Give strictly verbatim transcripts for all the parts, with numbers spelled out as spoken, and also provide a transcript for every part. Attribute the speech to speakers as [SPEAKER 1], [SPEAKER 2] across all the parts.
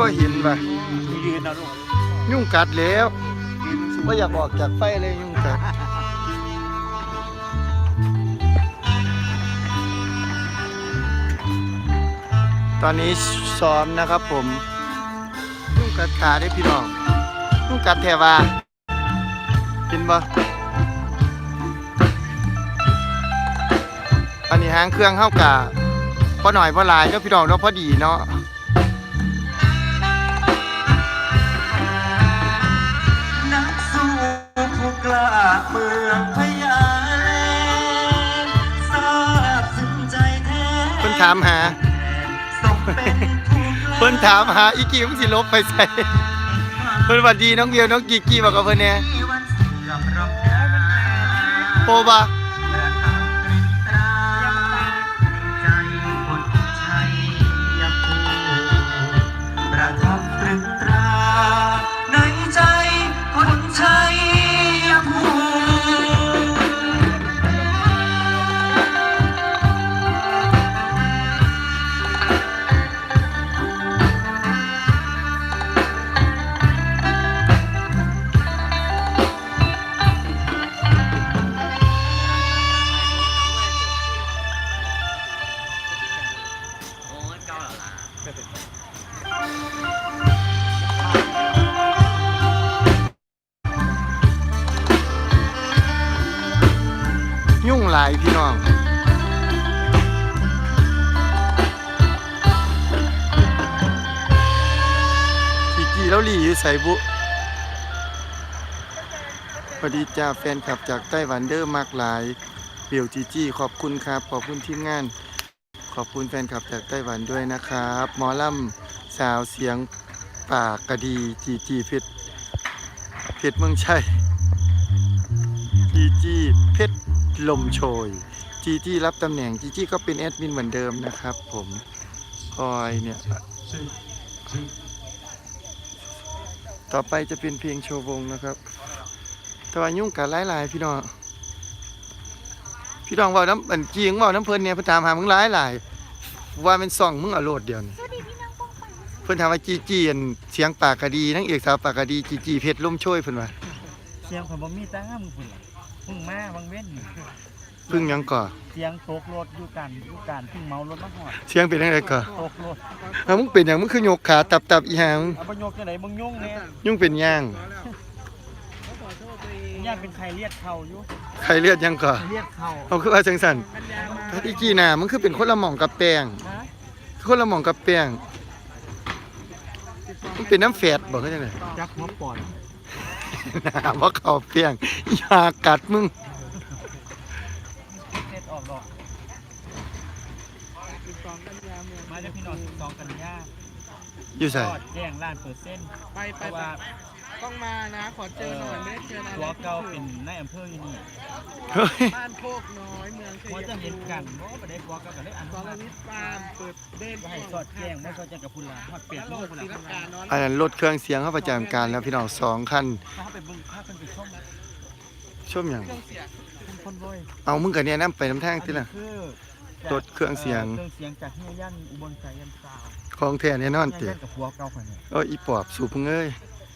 [SPEAKER 1] บ่เห็นว่ะ
[SPEAKER 2] ยืนนะลูก
[SPEAKER 1] ยุ่งกัดแล้วไม่อยากออกจากไฟเลยยุ่งกัดตอนนี้ซ้อมนะครับผมยุ่งกัดขาได้พี่น้องยุ่งกัดแถวากินบ่อันนี้หางเครื่องเข้ากะพอหน่อยพอหลายเนาะพี่น้องเนาะพอดีเนาะ
[SPEAKER 2] นักสู้ผู้กล้าเมืองพญาแลนทราบซึ้งใจแท้
[SPEAKER 1] เพิ่นถามหาเพิ่นถามหาอีกี้มึงสิลบไปใส่เพิ่นหวัดดีน้องเบียวน้องกีกี้บอกกับเพิ่นแน่โปบะ
[SPEAKER 2] ประทับตรึงตราในใจคนชัยภูมิ
[SPEAKER 1] ยุ่งหลายพี่น้องกีกี้แล้วหลีอยู่ใส่บุสวัสดีจ้าแฟนคลับจากไต้หวันเดอร์มากหลายเปียวจีจี้ขอบคุณครับขอบคุณทีมงานขอบคุณแฟนคลับจากไต้หวันด้วยนะครับหมอลำสาวเสียงปากกระดีจีจีเพชรเพชรเมืองชัยจีจีเพชรลมโชยจีจี้รับตำแหน่งจีจี้ก็เป็นแอดมินเหมือนเดิมนะครับผมคอยเนี่ยต่อไปจะเป็นเพลงโชว์วงนะครับแต่ว่ายุ่งกันหลายๆพี่น้องพี่น้องว่าน้ำอันจีงว่าน้ำเพลินเนี่ยเพิ่นถามหามึงหลายๆว่าเป็นซ่องมึงเอาโลดเดียวนี่เพิ่นถามว่าจีจี้อันเสียงปากกะดีนางเอกสาวปากกะดีจีจี้เพชรลมโชยเพิ่นว่า
[SPEAKER 3] เสียงของบ่มีตามึงพุ่นล่ะพึ่งมาบางเว้น
[SPEAKER 1] พึ่งยังก่อ
[SPEAKER 3] เสียงตกรถอยู่กันอยู่กันพึ่งเมารถมาหอด
[SPEAKER 1] เสียงเป็นจังไดก่อ
[SPEAKER 3] ตกรถ
[SPEAKER 1] เอามึงเป็นหยังมึงคือยกขาตับๆอีหาง
[SPEAKER 3] เอาบ่ยกจังได๋มึงยุ่งแน่
[SPEAKER 1] ยุ่งเป็นย่าง
[SPEAKER 3] ย่างเป็นไข้เลียดเข่าอยู่
[SPEAKER 1] ไข้เลือดยังก่อ
[SPEAKER 3] เลียดเข่า
[SPEAKER 1] เอาคือว่าจังซั่นอีกี้น่ะมึงคือเป็นคนละหม่องกับแป้งคนละหม่องกับแป้งมึงเป็นน้ำแฝดบ่คือจังได๋
[SPEAKER 3] จักหัวปอด
[SPEAKER 1] น่าบ่เข้าแป้งอยากกัดมึง
[SPEAKER 3] เสร็จออกดอกสิบสองกันยาเมืองมาจากพี่น้องสิบสองกันยา
[SPEAKER 1] อยู่ไส
[SPEAKER 3] แจ้งล้านเปอร์เซ็นต์ไปไปว่า
[SPEAKER 4] ต้องมานะขอเจอหน่อยไม่เจอนาน
[SPEAKER 3] ตัวเก่าเป็นนายอำเภออยู่นี่
[SPEAKER 4] บ้านโคกน้อยเมืองชัยภูมิ
[SPEAKER 3] จะเห็นกันบ่บ่ได้ตัวเก่าก็ได้อัน
[SPEAKER 4] สรวิทย์ฟาร์มเปิดเด่น
[SPEAKER 3] ให้สอดแจ้งไม่สอดแจ้งกับพุ่นล่ะฮอดเปียกโลกพุ่นล่ะ
[SPEAKER 1] อันนั้นรถเครื่องเสียงเข้าประจำการแล้วพี่น้องสองคัน
[SPEAKER 3] ถ้าไปเบิ่งพาเพิ่นไปชม
[SPEAKER 1] ชมหยัง
[SPEAKER 3] คนรวย
[SPEAKER 1] เอามึงก็เนี่ยนำไปนำทางติล่ะรถเครื่องเสียง
[SPEAKER 3] เครื่องเสียงจากเฮียยันอุบลสายันซาว
[SPEAKER 1] ของแท้แน่นอนติ
[SPEAKER 3] กับผัวเก่าคนนี้
[SPEAKER 1] โอ้อีปอบสูบมึงเอ้ย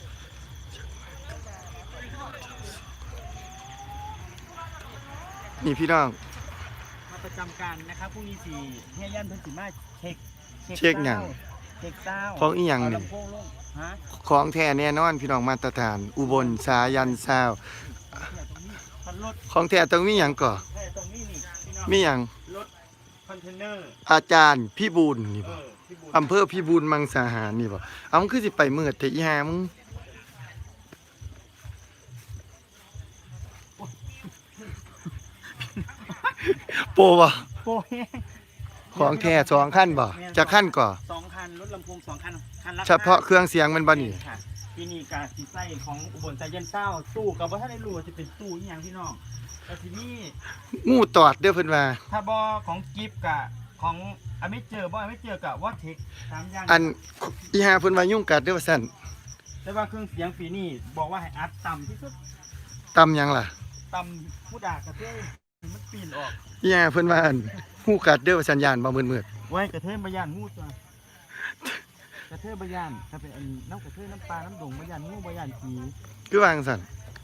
[SPEAKER 1] นี่พี่น้อง
[SPEAKER 3] มาประจำการนะครับพรุ่งนี้สี่เฮียยันเพิ่นสิมาเช็ค
[SPEAKER 1] เช็คหยัง
[SPEAKER 3] เช็คซาว
[SPEAKER 1] ของอีหยังนี่ของแท้แน่นอนพี่น้องมาตรฐานอุบลสายันซาวของแท้ต้องมีหยังก่อมีหยัง
[SPEAKER 3] รถคอนเทนเนอร์
[SPEAKER 1] อาจารย์พี่บูลนี่บ่อำเภอพี่บูลมังสาหารนี่บ่เอามึงคือสิไปมืดแต่อีหามึงโปบ่
[SPEAKER 3] โป
[SPEAKER 1] ของแท้สองคันบ่จะคันก่อ
[SPEAKER 3] สองคันรถลำโพงสองคันคันละ
[SPEAKER 1] เฉพาะเครื่องเสียงมันบ่นี่
[SPEAKER 3] ที่นี่กาสิใส่ของอุบลสายันซาวตู้ก็บ่ทันได้รู้ว่าสิเป็นตู้อีหยังพี่น้องแต่ที่นี่
[SPEAKER 1] งูตอดเด้อเพิ่นว่า
[SPEAKER 3] ถ้าบ่ของกิฟต์กะของอเมเจอบ่อเมเจอกะวอเทคสามอย่าง
[SPEAKER 1] อันอีหาเพิ่นว่ายุ่งกัดเด้อว่าซั่น
[SPEAKER 3] แต่ว่าเครื่องเสียงปีนี้บอกว่าให้อัดต่ำที่สุด
[SPEAKER 1] ต่ำหยังล่ะ
[SPEAKER 3] ต่ำผู้ด่ากระเทยมันปีนออก
[SPEAKER 1] อีหาเพิ่นว่าอันงูกัดเด้อว่าสัญญาณบ่มืด
[SPEAKER 3] ๆไว้กระเทยบ่ย่านงูจ้ะกระเทยบะยานถ้าเป็นอันน้ำกระเทยน้ำปลาน้ำดงบะยานงูบะยานผี
[SPEAKER 1] คือวางสั่น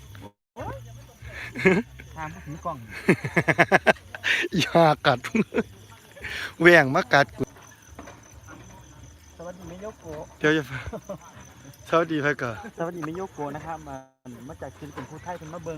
[SPEAKER 3] ทางถึงกล่อง
[SPEAKER 1] อย่ากัดแหว่งมากัดกู
[SPEAKER 3] สวัสดีเมโยโกะ
[SPEAKER 1] เดี๋ยวจะสวัสดีพ่อก่อน
[SPEAKER 3] สวัสดีเมโยโกะนะครับมามาจากศิลปินผู้ไทยเป็นมาเบิง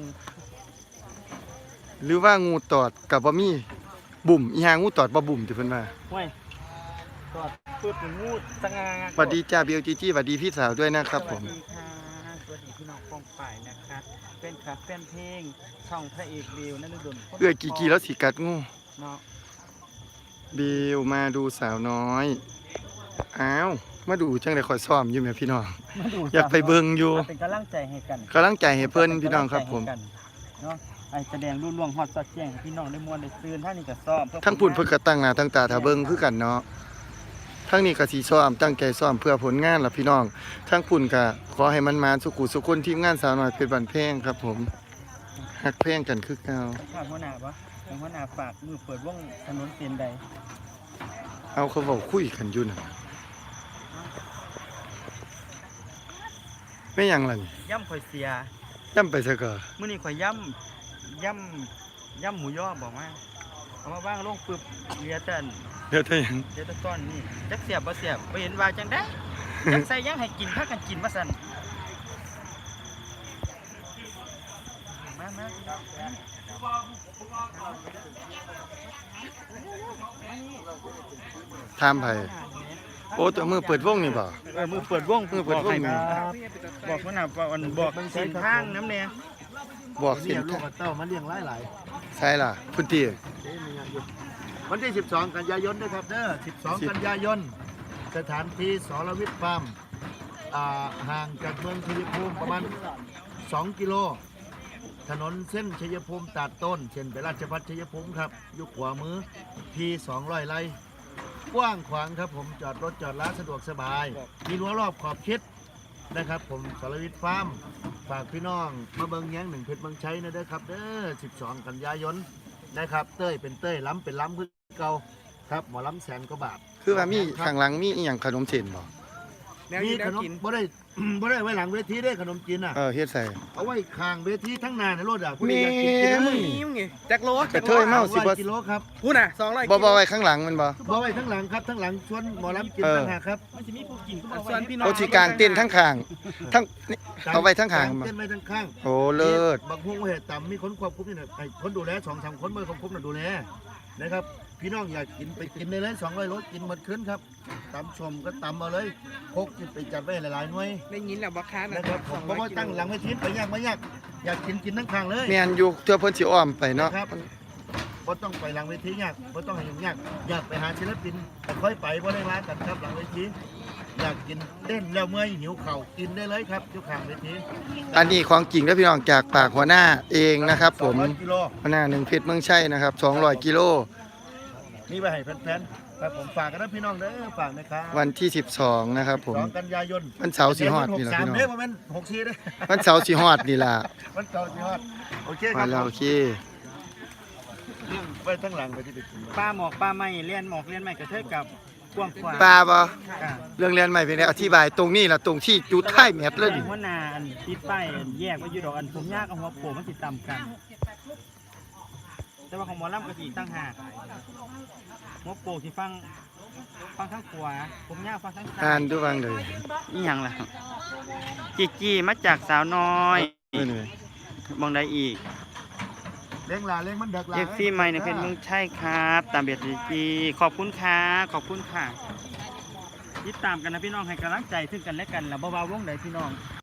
[SPEAKER 1] หรือว่างูตอดกับบ่มีบุ่มอีหางูตอดบ่บุ่มที่เพิ่นว่า
[SPEAKER 3] ห้วยกอดพูดถึงงูสง่า
[SPEAKER 1] สวัสดีจ้าเบลจีจี้สวัสดีพี่สาวด้วยนะครับผม
[SPEAKER 3] สวัสดีค่ะสวัสดีพี่น้องกองฝ่ายนะคะเป็นคลับแฟนเพลงช่องพระเอกวิวนั่นฤดล
[SPEAKER 1] เอื้อกี่กี่แล้วสิกัดงู
[SPEAKER 3] เนาะ
[SPEAKER 1] เบลมาดูสาวน้อยอ้าวมาดูจังได๋ข่อยซ้อมอยู่แม่พี่น้อง
[SPEAKER 3] มาดู
[SPEAKER 1] อยากไปเบิ่งอยู่
[SPEAKER 3] มาเป็นกำลังใจให้กัน
[SPEAKER 1] กำลังใจให้เพิ่นพี่น้องครับผม
[SPEAKER 3] เนาะไอแสดงรุ่นล่วงฮอดสอดแจ้งให้พี่น้องได้มวนได้ตื่นท่านนี่ก็ซ้อมเพื่อ
[SPEAKER 1] ทั้งพุ่นเพิ่นก็ตั้งหน้าตั้งตาถ้าเบิ่งคือกันเนาะทั้งนี้ก็สิซ้อมตั้งใจซ้อมเพื่อผลงานล่ะพี่น้องทั้งพุ่นก็ขอให้มันมาสุขุสุขคนทีมงานสาวน้อยเพชรบ้านแพงครับผมฮักแพงกันคือเก่า
[SPEAKER 3] ฝากหัวหน้าปะฝากหัวหน้าฝากมือเปิดวงถนนเส้นใด
[SPEAKER 1] เอาเขาเว้าคุยกันอยู่น่ะแม่หยังล่ะนี่
[SPEAKER 3] ย่ำข่อยเสีย
[SPEAKER 1] ย่ำไปซะก่อ
[SPEAKER 3] มื้อนี้ข่อยย่ำย่ำย่ำหมูย่อบอกว่าเอามาว่างลงปึ๊บเหลียแต่อัน
[SPEAKER 1] เดี๋ยวถ้าหยัง
[SPEAKER 3] เหลียแต่ต้นนี่จักเสียบบ่เสียบบ่เห็นว่าจังได้จักใส่หยังให้กินพากันกินว่าซั่นมามา
[SPEAKER 1] ถามไผโอ้ตัวมือเปิดวงนี่บ่
[SPEAKER 3] เออมือเปิดวง
[SPEAKER 1] มือเปิดวง
[SPEAKER 3] บอกให้บอกหัวหน้าว่าอันบอกเส้นทางน้ำแน่
[SPEAKER 1] บอกสิ
[SPEAKER 4] เลี้ยงลูกกับเต้ามาเลี้ยงหลายหลาย
[SPEAKER 1] ใช่ล่ะพุ่นติ
[SPEAKER 4] วันที่สิบสองกันยายนนะครับเด้อสิบสองกันยายนสถานที่สรวิทย์ฟาร์มอ่าห่างจากเมืองชัยภูมิประมาณสองกิโลถนนเส้นชัยภูมิตัดต้นเช่นไปราชพัฒชัยภูมิครับอยู่ขวามือที่สองร้อยไร่กว้างขวางครับผมจอดรถจอดร้านสะดวกสบาย มีรั้วรอบขอบชิดนะครับผมสรวิทย์ฟาร์มฝากพี่น้องมาเบิงแย้งหนึ่งเพชรเมืองชัยนะเด้อครับเด้อสิบสองกันยายนนะครับเต้ยเป็นเต้ยล้ำเป็นล้ำคือเก่าครับหมอล้ำแสนกว่าบาท
[SPEAKER 1] คือว่ามีข้างหลังมีอีหยังขนมเส้นบ่
[SPEAKER 4] มีขนมบ่ได้ บ่ได้ไว้หลังเวทีได้ขนมจีนอ่ะ
[SPEAKER 1] เออเฮ็ดใส่
[SPEAKER 4] เอาไว้ข้างเวทีทั้งหน้าในรถอ่ะผู้ใด
[SPEAKER 1] แม่
[SPEAKER 4] อยากกินกินได้เลย
[SPEAKER 3] นี่ไงจักโล
[SPEAKER 1] กระเทยเมาสิบ่
[SPEAKER 4] ร้อยกิโลครับ
[SPEAKER 3] พูดน่ะสองร้อย
[SPEAKER 1] บ่บ่ไว้ข้างหลังมันบ่
[SPEAKER 4] บ่ไว้ทั้งหลังครับทั้งหลังชวนหมอลำกิน
[SPEAKER 1] เออ
[SPEAKER 4] ต่างหากครับ
[SPEAKER 3] มันจะมีผู้กินก็บอกส่วนพี่น้อง
[SPEAKER 1] โอสิกลางเต้นทั้งข้างทั้งนี่เอาไว้ทั้งข้าง
[SPEAKER 4] ก
[SPEAKER 1] บ่
[SPEAKER 4] เต้นไว้ทั้งข้าง
[SPEAKER 1] โอ้เลิศ
[SPEAKER 4] บางพวงเหตุต่ำมีคนควบคุมนี่นะไอ้คนดูแลสองสามคนเมื่อควบคุมน่ะดูแลนะครับพี่น้องอยากกินไปกินได้เลยสองร้อยรถกินหมดขึ้นครับตำชมก็ตำเอาเลยพกไปจัดไว้หลายๆหน่วย
[SPEAKER 5] ได้ยินแล้วบ่ค้านะ
[SPEAKER 4] นะครับผมเพราะว่าตั้งหลังเวทีไปยากไม่ยากอยากกินกินทั้งข้างเลย
[SPEAKER 1] แม่นอยู่เทื่อเพิ่นสิอ้อมไปเนาะ
[SPEAKER 4] ครับบ่ต้องไปหลังเวทียากบ่ต้องให้ยุ่งยากอยากไปหาศิลปินแต่ค่อยไปบ่ได้ร้านกันครับหลังเวทีอยากกินเต้นแล้วเมื่อยหิวเข่าวกินได้เลยครับอยู่ข้างเวที
[SPEAKER 1] อันนี้ของจริงเด้อพี่น้องจากปากหัวหน้าเองนะครับ ผม
[SPEAKER 4] สองร้อยกิโล
[SPEAKER 1] หัวหน้าหนึ่งเพชรเมืองชัยนะครับสองร้อยกิโล
[SPEAKER 4] นี่ไปให้แฟนๆครับผมฝากกันนะพี่น้องเด้อฝากนะครับ
[SPEAKER 1] วันที่สิบสองนะครับผม
[SPEAKER 4] สองกันยายน
[SPEAKER 1] วันเสาร์สิฮอดนี่ล่ะพี่น้อง
[SPEAKER 4] เด้อบ่แม่นหกสี่เด้อ
[SPEAKER 1] วันเสาร์สิฮอดนี่ล่ะ
[SPEAKER 4] วันเสาร์สิฮอดโอเคค
[SPEAKER 1] มา
[SPEAKER 4] รับ
[SPEAKER 1] แล้วโอเค
[SPEAKER 4] เรื่องไปทั้งหลังไปที่ไปกิน
[SPEAKER 3] ปลาหมอกปลาไม้เลียนหมอกเลียนไม้กระเทยกับกว้างขวาง
[SPEAKER 1] ปลาบ่
[SPEAKER 3] ค่ะ
[SPEAKER 1] เรื่องเรียนใหม่เป็นไงอธิบายตรงนี้ล่ะตรงที่จุดท้ายแมทเลย
[SPEAKER 3] แต่
[SPEAKER 1] นี่
[SPEAKER 3] หัวหน้าอันติดป้ายอันแยกไว้อยู่ดอกอันผมยากกับหัวโผล่มันติดตามกัน แต่ว่าของหมอลำกระสีตั้งหากหัวโผล่ที่ฟังฟังข้างขวาผมยากฟังข้างซ้า
[SPEAKER 1] อ่าน
[SPEAKER 3] ย
[SPEAKER 1] ดูบ้างเลย
[SPEAKER 3] นี่ยังล่ะจีจีมาจากสาวน้อย
[SPEAKER 1] นี่เลย
[SPEAKER 3] มองได้อีก
[SPEAKER 4] เลี้ยงหลานเลี้ยงมันเด็กหลาน
[SPEAKER 3] เอฟซีใหม่ในเพจเมืองใช่ครับ ตามเบียดจีจีขอบคุณค่ะขอบคุณค่ะติดตามกันนะพี่น้องให้กำลังใจซึ่งกันและกันแล้วบ่าวๆวงใดพี่น้อง